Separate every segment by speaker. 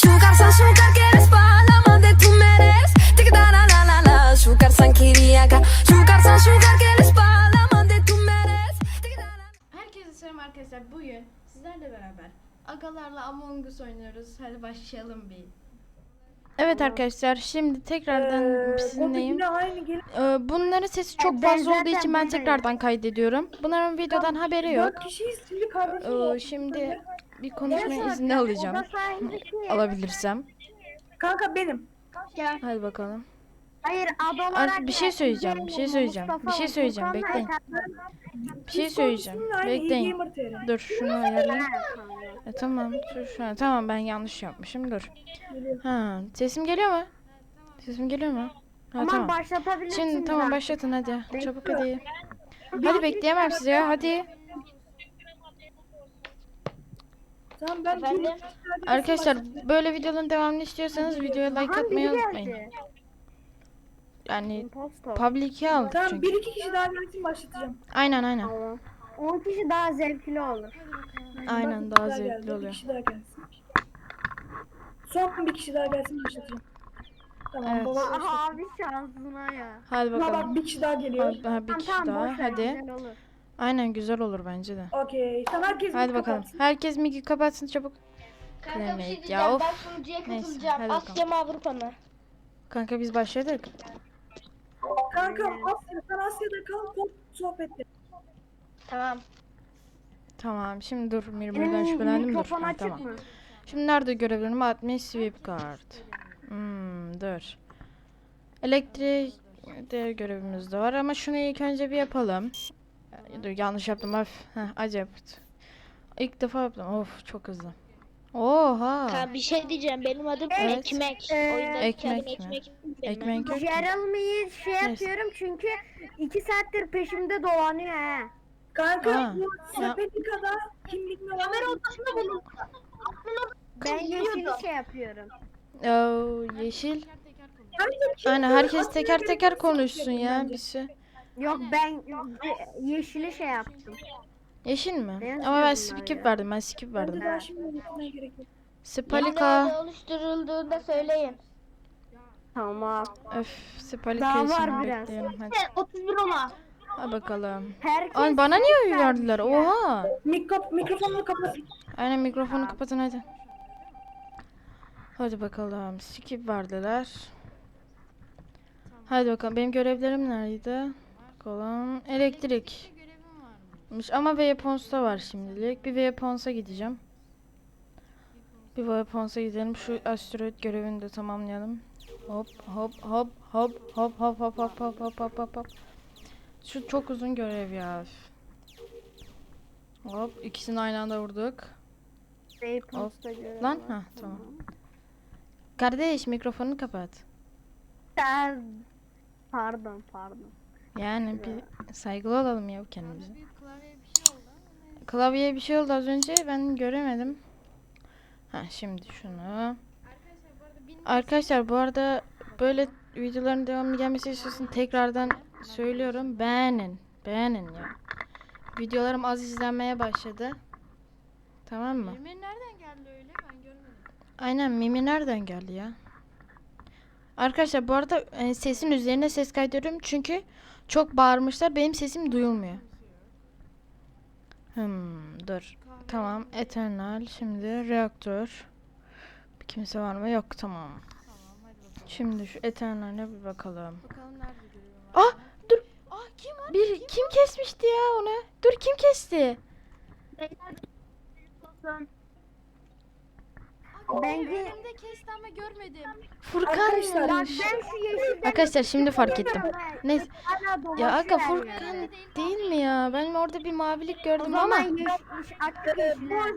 Speaker 1: Şukar quieres palama de tu meres. Tic da la la la la. Şukarsan kiriyaka. Şukar quieres palama de tu meres. Tic da la.
Speaker 2: Herkese selam arkadaşlar. Bugün sizlerle beraber agalarla Among Us oynuyoruz. Hadi başlayalım bir. Evet arkadaşlar, şimdi tekrardan sizinleyim. Bunların sesi çok fazla olduğu için ben tekrardan kaydediyorum. Bunların videodan haberi yok. Şimdi bir konuşma izni alacağım. Alabilirsem.
Speaker 3: Kanka benim.
Speaker 2: Hadi bakalım.
Speaker 4: Hayır, ad olarak
Speaker 2: Bir şey söyleyeceğim. Bir şey söyleyeceğim. Bekleyin. Bir şey söyleyeceğim. Bekleyin. Dur şunu ayarlayayım. Tamam. Dur şu an. Tamam, ben yanlış yapmışım. Dur. Ha, sesim geliyor mu? Sesim geliyor mu? Ha, tamam.
Speaker 4: başlatabilirsin.
Speaker 2: Şimdi tamam, başlatın hadi. Çabuk hadi. Hadi bekleyemem sizi ya. Hadi.
Speaker 3: Tamam ben
Speaker 2: Arkadaşlar, böyle videoların devamını istiyorsanız videoya like atmayı unutmayın. Yani public'e al
Speaker 3: Tamam,
Speaker 2: çünkü.
Speaker 3: bir iki kişi daha gelsin başlatacağım.
Speaker 2: Aynen.
Speaker 4: 10 kişi daha zevkli olur.
Speaker 2: Aynen,
Speaker 3: Bak,
Speaker 2: daha
Speaker 3: bir
Speaker 2: zevkli
Speaker 3: geldi,
Speaker 2: oluyor.
Speaker 3: Bir kişi daha gelsin. Son bir kişi daha gelsin başlatacağım. Tamam,
Speaker 2: Evet.
Speaker 3: baba başlat.
Speaker 4: Abi şansına ya.
Speaker 2: Hadi
Speaker 3: Bak
Speaker 2: bakalım.
Speaker 3: bir kişi daha geliyor.
Speaker 2: Daha bir kişi daha. Hadi. Aynen, güzel olur bence de.
Speaker 3: Okey. Tamam, herkes
Speaker 2: Hadi
Speaker 3: bir
Speaker 2: bakalım.
Speaker 3: kapatsın.
Speaker 2: Herkes mikrofonu kapatsın çabuk.
Speaker 5: Kanka bir şey
Speaker 2: Claimate.
Speaker 5: diyeceğim.
Speaker 2: Ya of.
Speaker 5: Ben sunucuya
Speaker 2: Neyse,
Speaker 5: katılacağım.
Speaker 2: hadi
Speaker 5: Asya mı Avrupa mı?
Speaker 2: Kanka biz başladık.
Speaker 3: Kanka sen Asya'da kal, sohbette.
Speaker 5: Tamam.
Speaker 2: Tamam, şimdi dur, Mirmir'den şüphelendim, dur.
Speaker 4: Mikrofon
Speaker 2: Ha,
Speaker 4: açık
Speaker 2: tamam.
Speaker 4: mı?
Speaker 2: Şimdi nerede görevlerim? Admin sweep card. Dur. Elektrik de görevimiz de var ama şunu ilk önce bir yapalım. Dur, yanlış yaptım. Acayip. İlk defa yaptım. Of, çok hızlı. Oha.
Speaker 5: Kanka bir şey diyeceğim. Benim adım
Speaker 2: Evet.
Speaker 5: Ekmek. Oyundaki
Speaker 2: Ekmek
Speaker 5: adım
Speaker 2: mi?
Speaker 5: Ekmek.
Speaker 2: Ekmek yok ki.
Speaker 4: Jeremy'yi yapıyorum çünkü 2 saattir peşimde dolanıyor he.
Speaker 3: Kanka
Speaker 2: Ha,
Speaker 3: bu
Speaker 2: ya.
Speaker 3: Sepetika'da kimlik mi var?
Speaker 5: odasında benim.
Speaker 4: Ben yeşili yapıyorum.
Speaker 2: Yeşil.
Speaker 3: Herkes
Speaker 2: Aynen, herkes teker teker konuşsun ya. Bir şey.
Speaker 4: Yok, ben yeşili yaptım.
Speaker 2: Yeşil mi?
Speaker 4: Beyaz
Speaker 2: Ama ben
Speaker 4: diyorum
Speaker 2: skip
Speaker 4: ya.
Speaker 2: verdim. Ben skip
Speaker 3: Bence
Speaker 2: verdim.
Speaker 3: daha şimdi gitmeye gerek yok.
Speaker 2: Spalika.
Speaker 5: Nerede oluşturulduğunda söyleyin.
Speaker 4: Tamam.
Speaker 2: Öf, Spalika
Speaker 4: Daha
Speaker 2: için
Speaker 4: var biraz.
Speaker 2: bekleyelim. Hadi.
Speaker 5: 31 ona.
Speaker 2: Ha bakalım.
Speaker 4: Herkes
Speaker 2: Ay, bana niye oy
Speaker 4: vermiş
Speaker 2: verdiler?
Speaker 4: ya.
Speaker 2: Oha.
Speaker 3: Mikrofonunu kapat.
Speaker 2: Aynen, mikrofonu kapatın hadi. Hadi bakalım. Skip verdiler. Hadi bakalım. Benim görevlerim neredeydi? Bakalım. Elektrik. Ama Weapons'ta var şimdilik. Bir Weapons'a gideceğim. Bir Weapons'a gidelim. Şu asteroid görevini de tamamlayalım. Hop. Şu çok uzun görev ya. Hop, ikisini aynı anda vurduk.
Speaker 4: Posta göre.
Speaker 2: Lan tamam. Kardeş, mikrofonunu kapat.
Speaker 4: Pardon.
Speaker 2: Yani bir saygılı olalım ya kendimize. Klavyeye bir şey oldu az önce, ben göremedim. Şimdi şunu. Arkadaşlar, bu arada böyle videoların devamı gelmesi istiyorsun, tekrardan söylüyorum, beğenin ya. Videolarım az izlenmeye başladı. Tamam mı?
Speaker 6: Mimir nereden geldi öyle? Ben görmedim.
Speaker 2: Aynen, Mimi nereden geldi ya? Arkadaşlar, bu arada sesin üzerine ses kaydediyorum çünkü çok bağırmışlar, benim sesim duyulmuyor. Dur. Tamam, Eternal, şimdi reaktör. Bir kimse var mı? Yok, tamam. Şimdi şu Eternal'e bir bakalım.
Speaker 6: Bakalım nerede görüyorum.
Speaker 2: Dur.
Speaker 6: Kim var?
Speaker 2: Kim kesmişti ya onu? Dur, kim kesti?
Speaker 4: Bence
Speaker 6: Önümde kesti ama görmedim.
Speaker 3: Arkadaşlar,
Speaker 4: ben
Speaker 2: Furkan.
Speaker 4: şu yeşilden
Speaker 2: Arkadaşlar, şimdi fark ettim. Neyse.
Speaker 4: hala
Speaker 2: Ya
Speaker 4: dolaşıyor
Speaker 2: aga,
Speaker 4: her
Speaker 2: Furkan
Speaker 4: yerde.
Speaker 2: değil mi ya? Ben orada bir mavilik
Speaker 4: O
Speaker 2: gördüm
Speaker 4: zaman
Speaker 2: ama.
Speaker 4: açık yeşiller.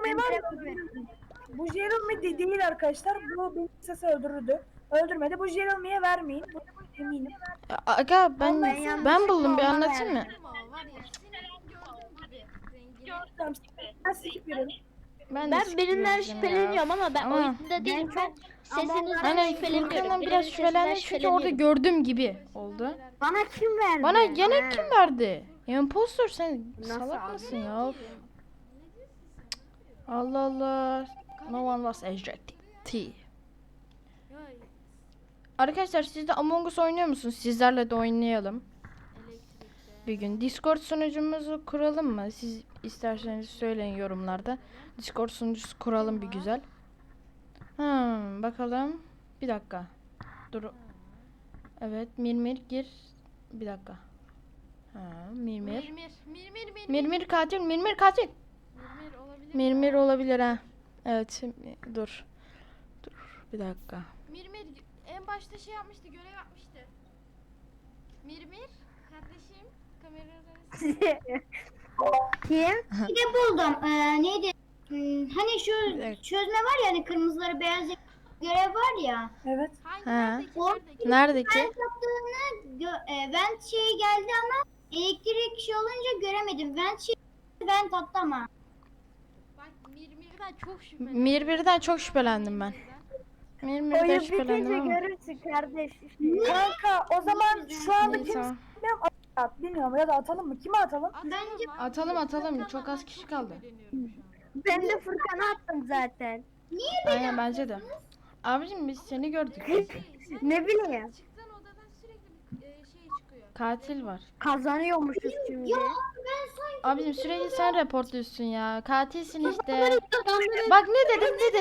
Speaker 3: Bu Jeremy değil arkadaşlar. Bu benim sesi öldürürdü. Öldürmedi. Bu Jeremy'ye vermeyin. Bu eminim.
Speaker 2: Aga, ben
Speaker 4: yanlışlıkla
Speaker 2: buldum, bir
Speaker 4: ona
Speaker 2: anlatayım mı?
Speaker 6: Ama var ya senin gördüğün gibi rengini.
Speaker 3: Tamam. Ben skip veriyorum.
Speaker 2: Ben
Speaker 5: Ben
Speaker 2: skip
Speaker 5: birinden
Speaker 2: vereceğim ya.
Speaker 5: şüpheleniyorum ama ben
Speaker 2: Ama-
Speaker 5: oyunda değilim. Ben sesinizden
Speaker 2: Aynen,
Speaker 5: şüpheleniyorum.
Speaker 2: Furkan'dan
Speaker 5: Birinin
Speaker 2: biraz
Speaker 5: sesinden
Speaker 2: şüphelendim çünkü orada
Speaker 5: şüpheleniyorum.
Speaker 2: gördüğüm gibi oldu.
Speaker 4: Bana kim verdi?
Speaker 2: Bana gene
Speaker 4: Ha.
Speaker 2: kim verdi? Impostor, sen
Speaker 4: Nasıl
Speaker 2: salak
Speaker 4: abi?
Speaker 2: mısın ya? Of. Allah Allah. No one was ejected.
Speaker 6: Ay,
Speaker 2: Arkadaşlar siz de Among Us oynuyor musunuz? Sizlerle de oynayalım.
Speaker 6: elektrikte.
Speaker 2: Bir gün Discord sunucumuzu kuralım mı? Siz isterseniz söyleyin yorumlarda. Discord sunucusu kuralım bir güzel. Bakalım. Bir dakika. Dur. Evet, Mirmir gir. Bir dakika. Mirmir. Mirmir katil, Mirmir katil.
Speaker 6: Mirmir olabilir.
Speaker 2: Mirmir olabilir ha. Evet, dur. Dur, bir dakika.
Speaker 6: Mirmir en başta şey yapmıştı, görev yapmıştı. Mirmir kardeşim kameraları
Speaker 4: Kim?
Speaker 5: Bir de buldum. Neydi? Hani şu
Speaker 2: Evet.
Speaker 5: çözme var ya, hani kırmızıları beyaz görev var ya.
Speaker 3: Evet.
Speaker 6: hangi
Speaker 2: Ha.
Speaker 6: neredeki
Speaker 5: O-
Speaker 6: neredeki?
Speaker 2: Neredeki?
Speaker 5: Vent şeyi geldi ama elektrik şey olunca göremedim. Vent attı ama.
Speaker 6: Bak Mirmir'den çok şüphelendim.
Speaker 2: Mirmir'den çok şüphelendim ben. Mirmir'den
Speaker 4: Oyun
Speaker 2: şüphelendim
Speaker 4: bitince
Speaker 2: ama.
Speaker 4: görürsün kardeş.
Speaker 3: Kanka o zaman şu anda
Speaker 2: İyi,
Speaker 3: kim
Speaker 2: tamam.
Speaker 3: at bilmiyorum ya da atalım mı? Kime atalım?
Speaker 5: Bence-
Speaker 2: Atalım, çok az kişi kaldı.
Speaker 4: Ben de Furkan'a attım zaten.
Speaker 2: Aynen bence de. Abicim biz seni gördük.
Speaker 4: Ne bileyim.
Speaker 6: Çıktığın odadan sürekli bir şey çıkıyor.
Speaker 2: Katil var.
Speaker 4: Kazanıyormuşuz şimdi.
Speaker 2: Abicim sürekli sen reportluyorsun ya. Katilsin işte. Bak ne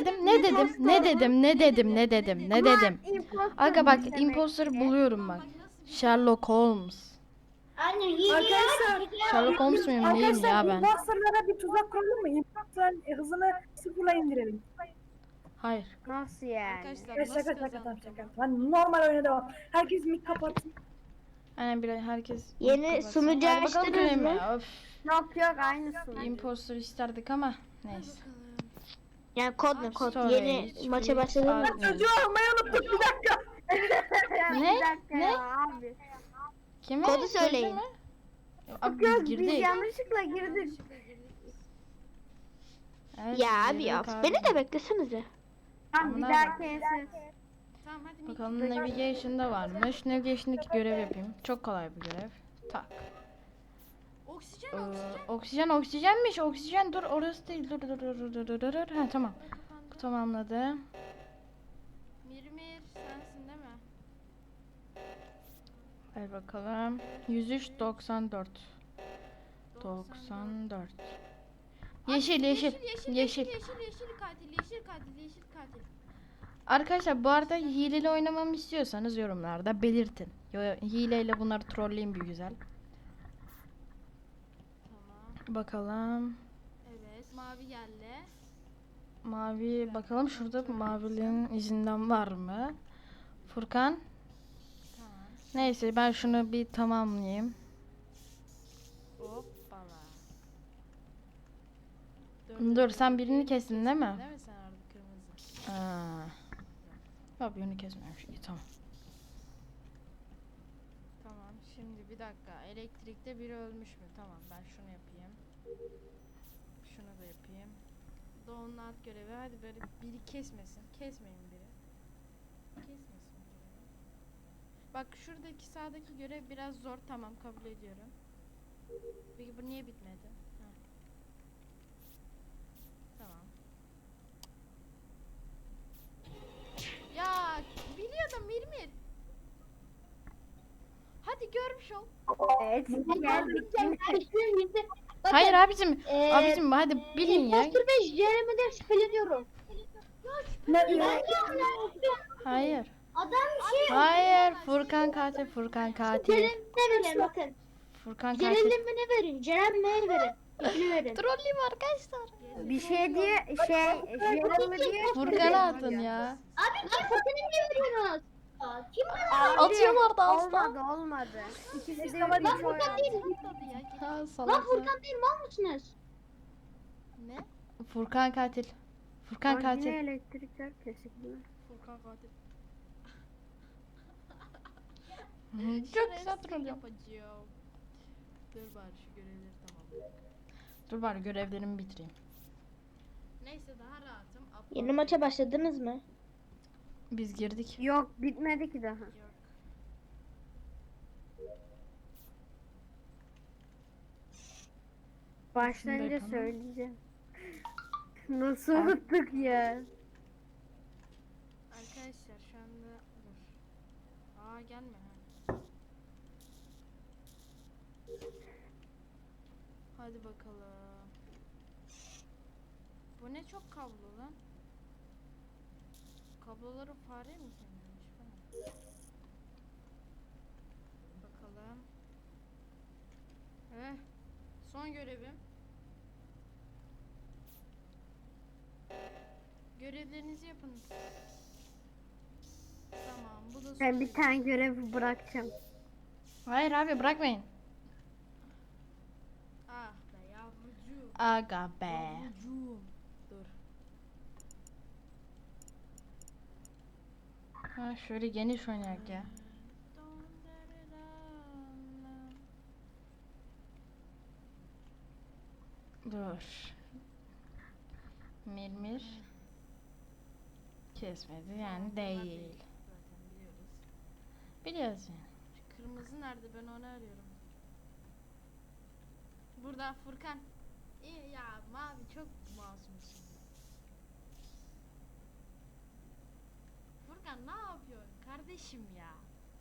Speaker 2: dedim. Aga bak imposter'ı buluyorum bak. Sherlock Holmes.
Speaker 5: Aynen iyi.
Speaker 3: Arkadaşlar.
Speaker 2: Sherlock Holmes muyum neyim
Speaker 3: Arkadaşlar
Speaker 2: ya ben?
Speaker 3: imposterlara bir tuzak kuralım mı? Imposterların hızını sıfırla indirelim.
Speaker 2: Hayır.
Speaker 4: Nasıl yani?
Speaker 6: Arkadaşlar
Speaker 3: Evet,
Speaker 6: nasıl
Speaker 3: şaka
Speaker 6: kazanacağım?
Speaker 3: şaka. Hani normal oyuna devam. Herkes mic kapatsın.
Speaker 2: Aynen bir herkes.
Speaker 5: Yeni
Speaker 2: kapatsın.
Speaker 5: sunucu
Speaker 2: Hadi bakalım
Speaker 5: açtınız
Speaker 2: görelim
Speaker 5: mı?
Speaker 2: ya. Öf.
Speaker 4: Yok aynısı.
Speaker 2: Imposter isterdik ama neyse.
Speaker 5: Yani kod ne kod?
Speaker 2: Storage,
Speaker 5: Yeni maça
Speaker 2: free,
Speaker 5: başladınız mı?
Speaker 2: admin.
Speaker 3: Çocuğu almayı unuttuk bir dakika.
Speaker 2: Ne?
Speaker 4: Bir dakika
Speaker 2: Ne?
Speaker 4: ya abi.
Speaker 2: Kimi?
Speaker 5: Kodu söyleyin.
Speaker 2: Sözü mü? Abi
Speaker 4: Yok
Speaker 2: biz
Speaker 4: biz
Speaker 2: girdik.
Speaker 4: yanlışlıkla girdik.
Speaker 2: Evet,
Speaker 5: Ya
Speaker 2: biz
Speaker 5: abi ya.
Speaker 2: girdik abi.
Speaker 5: Beni de beklesenize.
Speaker 4: Tamam bir
Speaker 2: Aman
Speaker 4: dahaki ensiz.
Speaker 6: Tamam hadi Mik.
Speaker 2: Bakalım Navigation'da varmış. Navigation'daki görev yapayım. Çok kolay bir görev. Tak.
Speaker 6: Oksijen oksijen.
Speaker 2: Oksijenmiş. Oksijen dur orası değil. Dur. Ha tamam.
Speaker 6: Kapandı.
Speaker 2: Tamamladı.
Speaker 6: Mirmir sensin değil mi?
Speaker 2: Ver bakalım. 103.94. 94. Yeşil.
Speaker 6: Yeşil katil.
Speaker 2: Arkadaşlar bu arada hileli oynamamı istiyorsanız yorumlarda belirtin. Hileyle bunları trolleyeyim bir güzel.
Speaker 6: Tamam.
Speaker 2: Bakalım.
Speaker 6: Evet mavi geldi.
Speaker 2: Mavi bakalım şurada maviliğin izinden var mı? Furkan.
Speaker 6: Tamam.
Speaker 2: Neyse ben şunu bir tamamlayayım.
Speaker 6: Hoppala.
Speaker 2: Dur sen birini kestin değil mi?
Speaker 6: Değil mi sen orada kırmızı?
Speaker 2: Aa. Yok birini kesmemiş. İyi tamam.
Speaker 6: Tamam şimdi bir dakika. Elektrikte biri ölmüş mü? Tamam ben şunu yapayım. Şunu da yapayım. Doğu'nun alt görevi. Hadi böyle biri kesmesin. Kesmeyin biri. Kesmesin biri. Bak şuradaki sağdaki görev biraz zor. Tamam kabul ediyorum. Peki bu niye bitmedi? Ha. Tamam. Ya biliyordum Mirmir. Hadi görmüş ol.
Speaker 4: Evet geldik.
Speaker 2: Hayır abicim hadi bilin ya.
Speaker 5: Imposter ve Jeremy'den şüpheleniyorum.
Speaker 2: Hayır.
Speaker 5: Adam şey
Speaker 2: Hayır Furkan katil.
Speaker 5: Jeremy'ne verin bakın.
Speaker 2: Furkan katil.
Speaker 5: Jeremy'ne verin. Jeremy'ne verin. İkini verin.
Speaker 2: Trolleyim arkadaşlar.
Speaker 4: Bir şey diye Jeremy diye.
Speaker 2: Furkan'a atın ya.
Speaker 5: Abi kim Furkan'ı niye veriyorsunuz? Kim
Speaker 2: Atıyorlar da asla.
Speaker 4: Olmadı. İkisi de
Speaker 3: Tamam,
Speaker 4: üç oy
Speaker 5: Furkan
Speaker 4: aldı.
Speaker 5: değil.
Speaker 2: Ha
Speaker 5: Lan
Speaker 2: salak.
Speaker 5: Furkan değil mal mısınız?
Speaker 6: Ne?
Speaker 2: Furkan katil. Furkan
Speaker 4: Yine
Speaker 2: katil.
Speaker 4: elektrikler kesik değil mi?
Speaker 6: Furkan katil.
Speaker 2: Çok güzel troll yap.
Speaker 6: yapacağım. Dur bari şu görevleri tamam.
Speaker 2: Dur bari görevlerimi bitireyim.
Speaker 6: Neyse daha rahatım.
Speaker 5: Yeni maça başladınız mı?
Speaker 2: Biz girdik.
Speaker 4: Yok bitmedi ki daha.
Speaker 6: Yok.
Speaker 4: Başlayınca
Speaker 2: yapalım.
Speaker 4: söyleyeceğim. Nasıl unuttuk ya?
Speaker 6: Arkadaşlar şu anda dur. Aa gelme ha. Hadi bakalım. Bu ne çok kablo lan. Kabloları fare mi kemirmiş falan. Bakalım. Son görevim. Görevlerinizi yapın. Tamam, bu da son
Speaker 4: Ben bir
Speaker 6: görev.
Speaker 4: tane görev bırakacağım.
Speaker 2: Hayır abi bırakmayın.
Speaker 6: Ah be yavrucuğum.
Speaker 2: Aga be.
Speaker 6: Yavrucuğum. Dur.
Speaker 2: Ha, şöyle geniş oynayak ya. Dur. Mirmir. Kesmedi yani değil.
Speaker 6: Zaten biliyoruz.
Speaker 2: Biliyoruz yani.
Speaker 6: Şu kırmızı nerede, ben onu arıyorum. Burada Furkan. İyi ya, mavi çok masumsun. Furkan ne yapıyorsun kardeşim ya?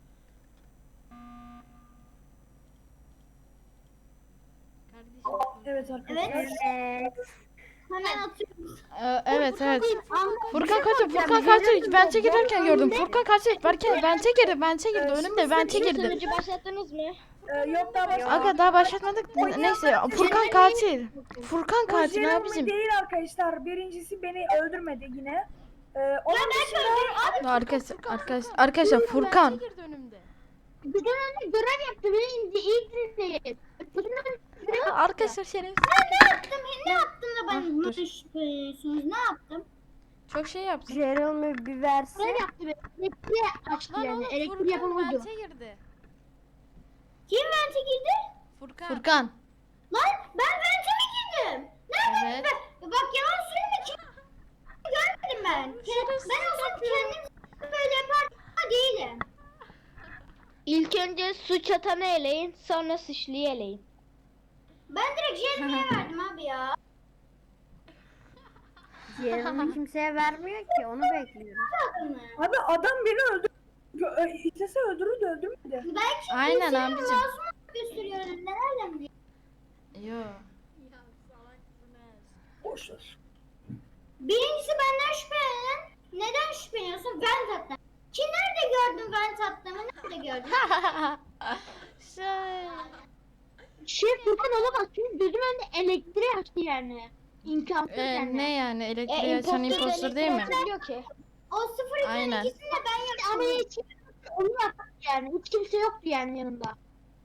Speaker 6: Kardeşim Furkan.
Speaker 3: Evet arkadaşlar.
Speaker 4: Evet.
Speaker 5: Hemen atıyorum.
Speaker 2: Evet evet. Furkan kaçtı.
Speaker 4: soracağım.
Speaker 2: Furkan kaçtı. Vente girerken gördüm. Furkan kaçtı. Vente girdi. Önümde vente girdi.
Speaker 7: Başlattınız mı?
Speaker 3: Yok daha başlamadık.
Speaker 2: Aga daha başlatmadık. Neyse Furkan katil. Furkan
Speaker 3: Bu
Speaker 2: katil
Speaker 3: Jeremy
Speaker 2: abicim.
Speaker 3: değil arkadaşlar. Birincisi beni öldürmedi yine. Onun dışında
Speaker 2: Arkadaşlar Furkan.
Speaker 6: Vente girdi önümde.
Speaker 7: Bizden önce görev yaptı. Beni ilk dinleyin.
Speaker 2: Arkadaşlar şerefsiz.
Speaker 5: Ne yaptım da ben
Speaker 2: Ah, dur.
Speaker 5: bunu şüpheliyorsunuz? Ne yaptım?
Speaker 2: Çok şey yaptın.
Speaker 4: Jeremy bir versin.
Speaker 7: Görev yaptı. Elektriği açtı
Speaker 6: Lan
Speaker 7: yani.
Speaker 6: oğlum
Speaker 7: Elektriği
Speaker 6: Furkan
Speaker 7: yapamadı.
Speaker 6: vente girdi.
Speaker 5: Kim vente girdi?
Speaker 6: Furkan.
Speaker 2: Furkan.
Speaker 5: Lan ben vente mi girdim? Nerede?
Speaker 2: Evet.
Speaker 5: Bak yalan söyleme. Kim görmedim ben. Ben olsam kendim böyle yapardım ama değilim.
Speaker 7: İlk önce suç atanı eleyin. Sonra suçluyu eleyin.
Speaker 5: Ben direkt Jeremy'ye verdim abi ya.
Speaker 4: Jeremy kimseye vermiyor ki. Onu bekliyoruz.
Speaker 5: Adamı.
Speaker 3: abi adam beni öldürdü. İstese öldürürdü öldürmedi.
Speaker 5: Belki
Speaker 2: Aynen
Speaker 5: senin
Speaker 2: abicim.
Speaker 5: masum gösteriyor önümde. Nereden biliyorsun?
Speaker 2: Yo.
Speaker 6: Ya salaksınız.
Speaker 3: Boş ver.
Speaker 5: Birincisi benden şüphelenen. Neden şüpheleniyorsun? Ben tatlım. Ki nerede gördün ben tatlımı? Nerede gördün?
Speaker 7: Furkan olamaz. Çünkü gözüm önünde elektriği açtı yani. İmkansız yani.
Speaker 2: Ne yani elektriği açan impostor değil mi?
Speaker 7: Diyor ki.
Speaker 5: O 0
Speaker 2: Aynen.
Speaker 5: ikisini de ben yaptım.
Speaker 7: Ama hiç onu yaptı yani. Hiç kimse yoktu yani yanında.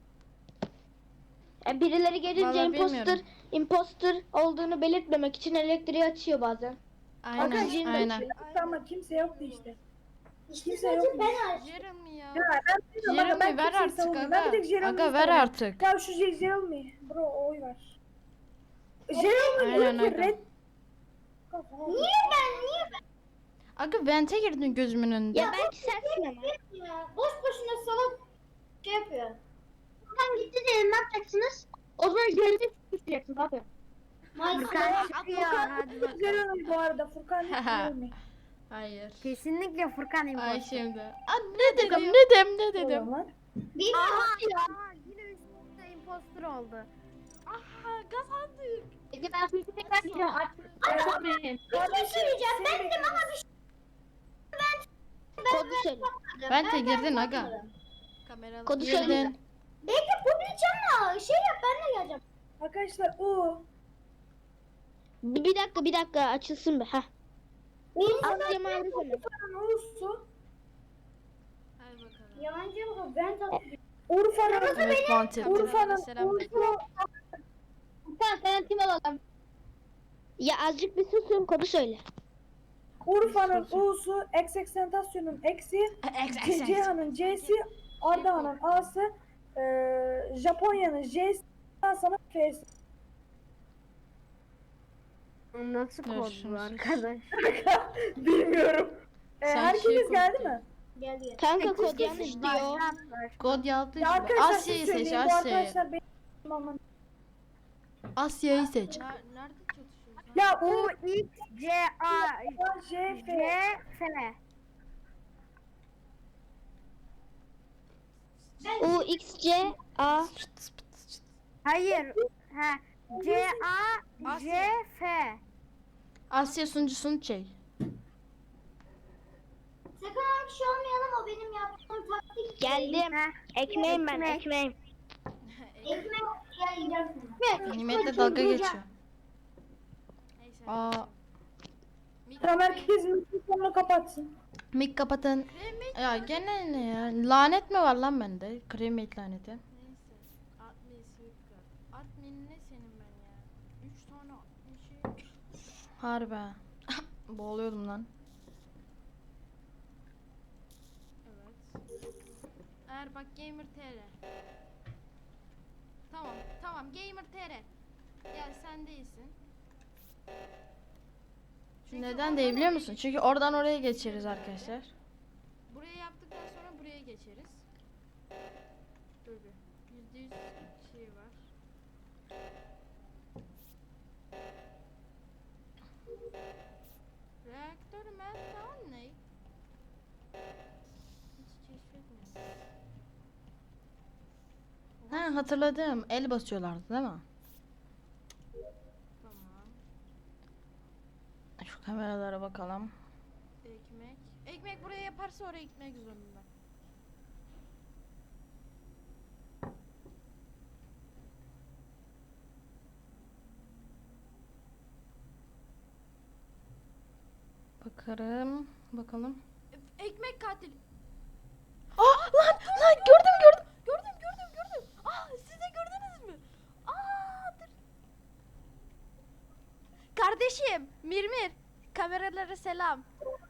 Speaker 7: Birileri gelince
Speaker 2: Vallahi bilmiyorum.
Speaker 7: imposter olduğunu belirtmemek için elektriği açıyor bazen.
Speaker 2: Aynen aynen.
Speaker 3: Ama kimse yoktu işte.
Speaker 5: İşte
Speaker 3: Kimse
Speaker 5: sadece
Speaker 3: yokmuş.
Speaker 5: ben açtım.
Speaker 6: Jeremy ya.
Speaker 3: Ya ben bilmiyorum aga, ben
Speaker 2: Jeremy ver
Speaker 3: kimseyi
Speaker 2: artık
Speaker 3: savunmuyorum. Ben bir tek
Speaker 2: aga.
Speaker 3: Jeremy'yi
Speaker 2: Aga ver
Speaker 3: savunuyorum.
Speaker 2: artık.
Speaker 3: Ya şu Jeremy. Bro oy ver. Jeremy
Speaker 2: Aynen
Speaker 3: diyor ki
Speaker 2: aga.
Speaker 3: red.
Speaker 5: Niye ben?
Speaker 2: Aga vente girdin gözümün önünde.
Speaker 7: Ya belki sensin ama.
Speaker 5: Ya, boş boşuna salak şey yapıyor.
Speaker 7: Furkan gitti diyelim ne yapacaksınız? O zaman görevde suçlayacaksınız abi.
Speaker 4: Furkan çıkıyor. Hadi bakalım.
Speaker 3: Jeremy bu arada. Furkan değil Jeremy.
Speaker 2: Hayır.
Speaker 4: Kesinlikle Furkan
Speaker 2: Ay
Speaker 4: imposter.
Speaker 2: şimdi. ne dedim ne dedim.
Speaker 3: O zaman.
Speaker 5: Bilmiyorum.
Speaker 4: Aa, yine üstünde imposter oldu.
Speaker 6: Aha kazandık.
Speaker 7: Peki ben suçu tekrar gireceğim. Açmayın.
Speaker 5: Bir şey söyleyeceğim. Bendim ama bir şey.
Speaker 7: Kodu söyle.
Speaker 2: Vente girdin aga.
Speaker 6: Kameralı.
Speaker 7: Kodu söyle.
Speaker 2: Girdin.
Speaker 5: Bekle publicama. Şey yap ben de geleceğim.
Speaker 3: Arkadaşlar o.
Speaker 7: Bir dakika açılsın be. Heh.
Speaker 5: Birincisi
Speaker 7: Asya mavi söyle.
Speaker 3: Urfa'nın Uğur'su.
Speaker 6: Hadi bakalım.
Speaker 5: Yalancıya bakalım. Ben tatlım.
Speaker 3: Urfa'nın
Speaker 2: Evet vente.
Speaker 3: Urfa'nın
Speaker 6: Selam
Speaker 3: Uğur'su.
Speaker 7: Furkan sen tim alalım. Ya azıcık bir susun kodu söyle.
Speaker 3: Urfa'nın U'su, Eksentasyon'un X'i, Cihan'ın C'si, Ardahan'ın A'sı, Japonya'nın J'si, Fransa'nın F'si.
Speaker 4: Nasıl
Speaker 2: Dur,
Speaker 4: kod
Speaker 2: şunu
Speaker 4: bu
Speaker 2: sus.
Speaker 4: arkadaş?
Speaker 3: Bilmiyorum.
Speaker 2: Sen
Speaker 3: Herkes
Speaker 2: şey
Speaker 3: geldi mi?
Speaker 5: Gel gel.
Speaker 7: Kanka kod yanlış diyor.
Speaker 2: Kod yaptı.
Speaker 3: Ya arkadaşlar
Speaker 2: Asya'yı
Speaker 3: siz
Speaker 2: seç
Speaker 3: söyleyin. Bu
Speaker 2: Asya'yı.
Speaker 3: arkadaşlar benim aman.
Speaker 2: Asya'yı seç.
Speaker 6: Nerede çatışıyoruz lan?
Speaker 3: Ya
Speaker 4: U,
Speaker 3: U,
Speaker 4: X, C, A,
Speaker 3: J,
Speaker 4: C,
Speaker 3: F.
Speaker 4: F.
Speaker 7: XCA.
Speaker 4: Hayır. Ha. CAJF.
Speaker 2: Asya sunucusunu çek.
Speaker 5: Sakın öyle bir şey olmayalım, o benim yaptığım taktik.
Speaker 7: Geldim.
Speaker 4: Ha.
Speaker 7: Ekmeğim ben ekmeğim.
Speaker 5: Ekmek yiyeceksin.
Speaker 2: Nimet'le dalga geçiyor.
Speaker 6: Neyse.
Speaker 2: Aa,
Speaker 3: Tamam, herkes mikrofonunu kapatsın.
Speaker 2: mik kapatın. Ya gene ne ya? Lanet mi var lan bende? Kremiyet laneti.
Speaker 6: Neyse. Admin Swiftguard. Admin ne senin ben ya? 3 tane admin şey.
Speaker 2: Harbi. Boğuluyordum lan.
Speaker 6: Evet. Eğer bak Gamer TR. Tamam Gamer TR. Gel sen değilsin. Çünkü
Speaker 2: Neden
Speaker 6: oradan
Speaker 2: değil biliyor
Speaker 6: oraya
Speaker 2: musun? Çünkü oradan oraya geçeriz arkadaşlar.
Speaker 6: Buraya yaptıktan sonra buraya geçeriz. Dur bir. %100 şey var. Reaktör meltdown ne? Hiç keşfetmedim.
Speaker 2: Ha hatırladım. El basıyorlardı değil mi?
Speaker 6: Tamam.
Speaker 2: Şu kameralara bakalım.
Speaker 6: Ekmek. Ekmek buraya yaparsa oraya gitmek zorunda.
Speaker 2: Bakarım. Bakalım.
Speaker 6: Ekmek katil.
Speaker 2: Lan gördüm.
Speaker 6: Gördüm. Siz de gördünüz mü? Dur. Kardeşim, Mirmir. Kameralara selam.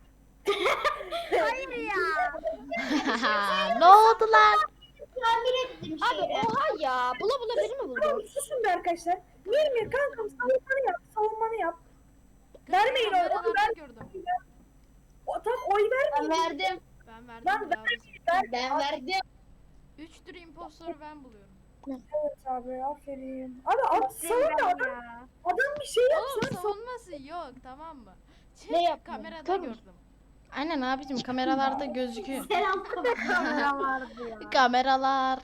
Speaker 2: Ne oldu lan?
Speaker 5: Tamir ettim
Speaker 7: Abi
Speaker 5: şeyi.
Speaker 7: oha ya. Bula bula beni mi buldun?
Speaker 3: Tamam, susun be arkadaşlar. Mirmir kankam, savunmanı yap. Vermeyin oy.
Speaker 6: Kameralarda gördüm.
Speaker 3: Tam oy
Speaker 7: Ben
Speaker 3: vermeyin.
Speaker 7: verdim.
Speaker 6: Ben verdim.
Speaker 3: Lan
Speaker 7: Ben verdim.
Speaker 6: 3 tür impostoru ben buluyorum.
Speaker 3: Evet abi, aferin. Abi savun da adam bir şey
Speaker 6: Oğlum
Speaker 3: yapsın.
Speaker 6: savunması yok, tamam mı?
Speaker 7: Ne yapma?
Speaker 6: Kamerada
Speaker 7: Tabii.
Speaker 6: gördüm.
Speaker 2: Aynen abicim kameralarda gözüküyor.
Speaker 5: Selam.
Speaker 4: Kamera vardı ya.
Speaker 2: Kameralar.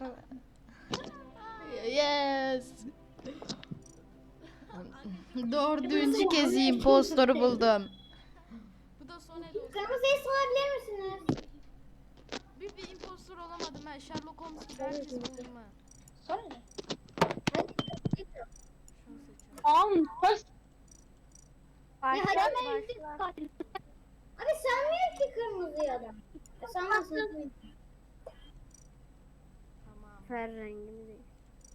Speaker 2: Yes. Dördüncü kez impostoru buldum.
Speaker 6: Bu da son el olsun.
Speaker 5: Kırmızıyı sorabilir misiniz?
Speaker 6: Bir impostor olamadım ben. Sherlock Holmes gibi herkes buldum ha.
Speaker 7: Sonra ne?
Speaker 6: Şunu seçiyorum.
Speaker 7: Baş.
Speaker 5: Ya hadi
Speaker 7: Ben katil.
Speaker 5: Abi sanmıyor ki kırmızı adam. Sanmasın.
Speaker 6: Tamam.
Speaker 4: Fer rengini değil.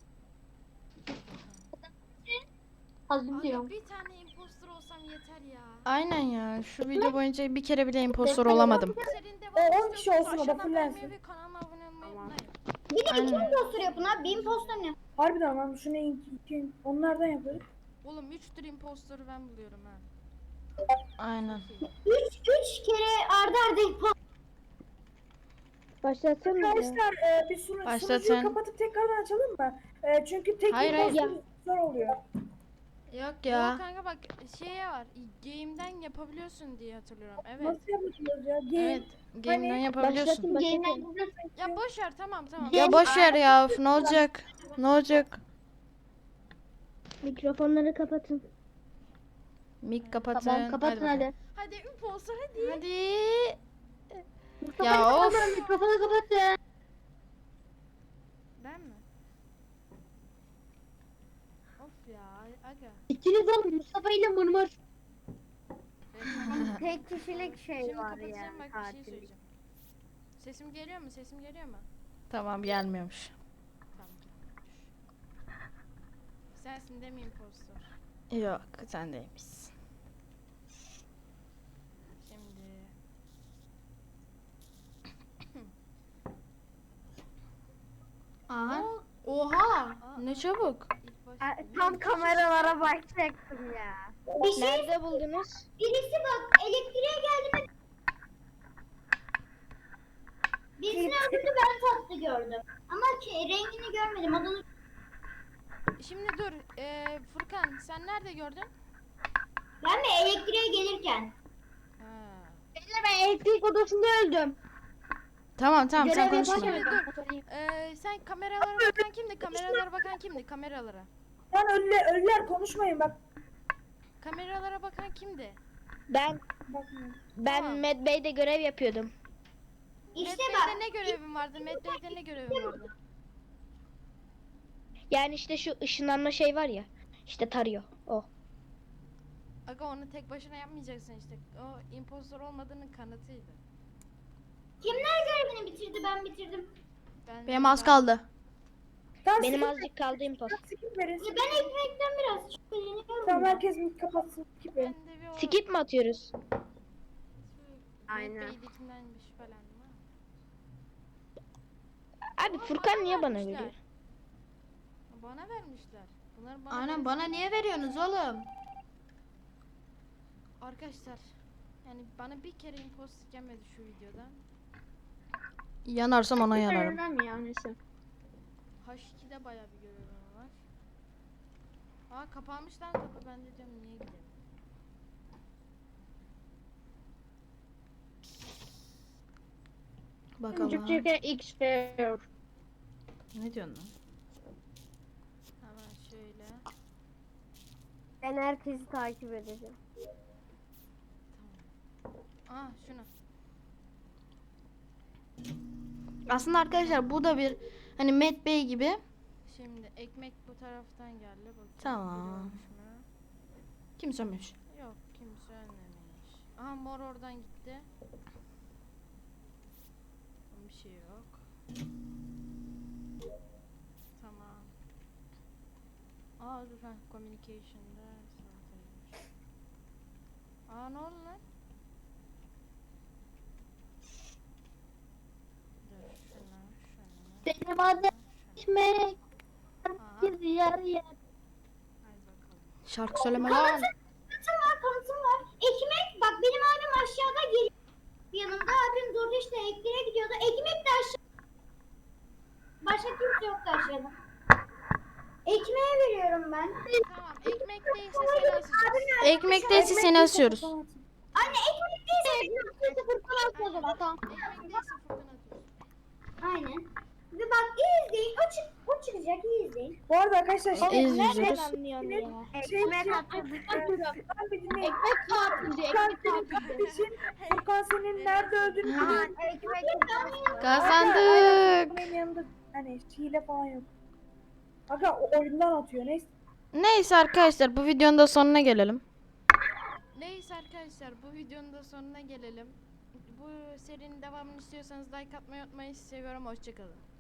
Speaker 7: Hazır
Speaker 6: Aga
Speaker 7: diyorum.
Speaker 6: bir tane impostor olsam yeter ya.
Speaker 2: Aynen ya. Şu video boyunca bir kere bile impostor olamadım.
Speaker 6: Senin de
Speaker 3: O 10 kişi olsun, o da
Speaker 6: aşağıdan
Speaker 3: fullensin.
Speaker 6: beğenmeyi ve kanalıma abone olmayı unutmayın.
Speaker 5: Bir de iki
Speaker 2: Aynen.
Speaker 5: impostor yapın abi. Bir impostor ne?
Speaker 3: Harbiden lan, şunu onlardan yaparız.
Speaker 6: Oğlum 3 tür impostoru ben buluyorum ha.
Speaker 2: Aynen.
Speaker 5: Üç kere arda arda impostor.
Speaker 7: Başlatsana ya.
Speaker 3: Arkadaşlar bir
Speaker 2: Başlatın.
Speaker 3: sunucuyu kapatıp tekrardan açalım mı? Çünkü tek
Speaker 2: Hayır, hayır.
Speaker 3: impostor zor oluyor.
Speaker 2: Yok
Speaker 6: Ya
Speaker 2: ya.
Speaker 6: kanka bak şeye var. Game'den yapabiliyorsun diye hatırlıyorum. Evet.
Speaker 3: Nasıl yapıyoruz ya?
Speaker 2: Evet. Game'den yapabiliyorsun.
Speaker 7: Başlatın.
Speaker 6: Ya boş ver tamam.
Speaker 2: Ya boş ver ya. Üf, ne olacak? Ne olacak?
Speaker 7: Mikrofonları kapatın.
Speaker 2: Mik kapatın.
Speaker 7: Tamam kapatın
Speaker 2: bakalım.
Speaker 7: hadi.
Speaker 6: Hadi impostor hadi.
Speaker 2: Hadi.
Speaker 7: Mikrofonu
Speaker 2: Ya of.
Speaker 7: kapatın. Mikrofonu kapatın.
Speaker 6: Ben mi? Of ya aga.
Speaker 7: İkiniz olun Mustafa ile Mırmır.
Speaker 4: Tek kişilik şey
Speaker 6: Şimdi
Speaker 4: var
Speaker 6: kapatacağım
Speaker 4: yani
Speaker 6: bak bir şey
Speaker 4: katil.
Speaker 6: söyleyeceğim. Sesim geliyor mu? Sesim geliyor mu?
Speaker 2: Tamam gelmiyormuş.
Speaker 6: Tamam. Sensin değil mi impostor?
Speaker 2: Yok sen değilmişsin.
Speaker 6: Şimdi.
Speaker 2: Aha. Oha. Ne çabuk.
Speaker 6: İlk başta.
Speaker 4: Tam kameralara bakacaktım ya.
Speaker 5: Bir şey
Speaker 7: Nerede buldunuz?
Speaker 5: birisi bak elektriğe geldi mi? Birisini öldürdü, ben tatlı gördüm. Ama rengini görmedim. Adını
Speaker 6: Şimdi dur. Furkan sen nerede gördün?
Speaker 5: ben mi elektriğe gelirken?
Speaker 6: Ha.
Speaker 7: Ben elektrik odasında öldüm.
Speaker 2: Tamam sen
Speaker 7: Görev
Speaker 2: konuşma.
Speaker 7: yaparken
Speaker 6: Dur.
Speaker 7: ben sorayım.
Speaker 6: Sen kameralara bakan kimdi? Kameralara bakan kimdi? Kameralara.
Speaker 3: Lan ölüler konuşmayın bak.
Speaker 6: Kameralara bakan kimdi?
Speaker 8: Ben
Speaker 3: Bakmayın.
Speaker 6: Tamam.
Speaker 8: Medbay'de görev yapıyordum.
Speaker 5: İşte
Speaker 6: Medbay'de
Speaker 5: bak.
Speaker 6: ne görevin vardı? Medbay'de ne görevin vardı?
Speaker 8: Yani işte şu ışınlanma şey var ya. İşte tarıyor. O.
Speaker 6: Aga onu tek başına yapmayacaksın işte. O impostor olmadığının kanıtıydı.
Speaker 5: Kimler görevini bitirdi, ben bitirdim.
Speaker 2: Benim az kaldı.
Speaker 3: Tamam,
Speaker 8: Benim
Speaker 3: skip
Speaker 8: azıcık kaldı impost.
Speaker 3: verin, skip verin.
Speaker 5: Ya ben ekmekten biraz şüpheleniyorum.
Speaker 3: Tamam
Speaker 5: ya.
Speaker 3: herkes mik kapatsın. Skip verin.
Speaker 6: Ben de bir o
Speaker 8: Skip mi atıyoruz?
Speaker 4: Aynen.
Speaker 6: Medbay'dekinden bir şüphelendim ha.
Speaker 8: Abi Furkan niye bana
Speaker 6: vermişler.
Speaker 8: veriyor?
Speaker 6: Bana vermişler. Bunlar bana
Speaker 2: Aynen
Speaker 6: vermiş-
Speaker 2: bana niye veriyorsunuz oğlum?
Speaker 6: Arkadaşlar yani bana bir kere imposter gelmedi şu videoda.
Speaker 2: Yanarsam ona yanarım.
Speaker 7: Önemli ya neyse.
Speaker 6: H2'de bayağı bir görevim var. Aa kapanmış lan kapı, ben de diyorum niye gidelim.
Speaker 2: Bakalım.
Speaker 7: Türkçe X diyor.
Speaker 2: Ne diyorsun lan?
Speaker 6: Hemen şöyle.
Speaker 4: Ben herkesi takip edeceğim.
Speaker 6: Aa şunu.
Speaker 2: Aslında arkadaşlar bu da bir hani Met Bey gibi.
Speaker 6: Şimdi ekmek bu taraftan geldi. Bakayım,
Speaker 2: Tamam.
Speaker 6: biri ölmüş mü?
Speaker 2: Kim sönmüş?
Speaker 6: Yok kimse ölmemiş. Aha mor oradan gitti. Bir şey yok. Tamam. Aa dur ha communication'da salataymış. Aa ne oldu lan? Dur şuna.
Speaker 7: Benim adım Ekmek.
Speaker 6: Aa,
Speaker 7: Bir yer yer.
Speaker 6: hadi bakalım.
Speaker 2: Şarkı söyleme lan.
Speaker 5: Kanıtım var, kanıtım var. Ekmek, bak benim abim aşağıda geliyor. Yanımda abim durdu işte, elektriğe gidiyordu. Ekmek de aşağı. Başka kimse yoktu aşağıda. Ekmeğe veriyorum ben.
Speaker 6: Tamam ekmek değilse seni asacağız.
Speaker 2: Ekmek değilse seni asıyoruz.
Speaker 5: Anne ekmek değilse
Speaker 7: Furkan atma o zaman tamam.
Speaker 6: Ekmek değilse Furkan atıyoruz.
Speaker 5: aynen. Ve bak iyi izleyin. O çıkacak, iyi izleyin.
Speaker 3: Bu arada arkadaşlar şey
Speaker 2: İzliyoruz.
Speaker 8: anlıyorsun ya?
Speaker 3: şey
Speaker 7: atıyorum.
Speaker 3: ben bir dinleyin.
Speaker 7: Ekmek tatilde.
Speaker 3: Furkan
Speaker 7: Ekmek
Speaker 3: senin
Speaker 7: tatilde.
Speaker 3: kardeşin, Furkan senin nerede öldüğünü biliyor.
Speaker 2: Kazandık.
Speaker 3: Benim yanında hani hile falan yok. Aga o oyundan atıyor neyse.
Speaker 2: Neyse arkadaşlar bu videonun da sonuna gelelim.
Speaker 6: Neyse arkadaşlar bu videonun da sonuna gelelim. Bu serinin devamını istiyorsanız like atmayı unutmayın. Sizi seviyorum. Hoşçakalın.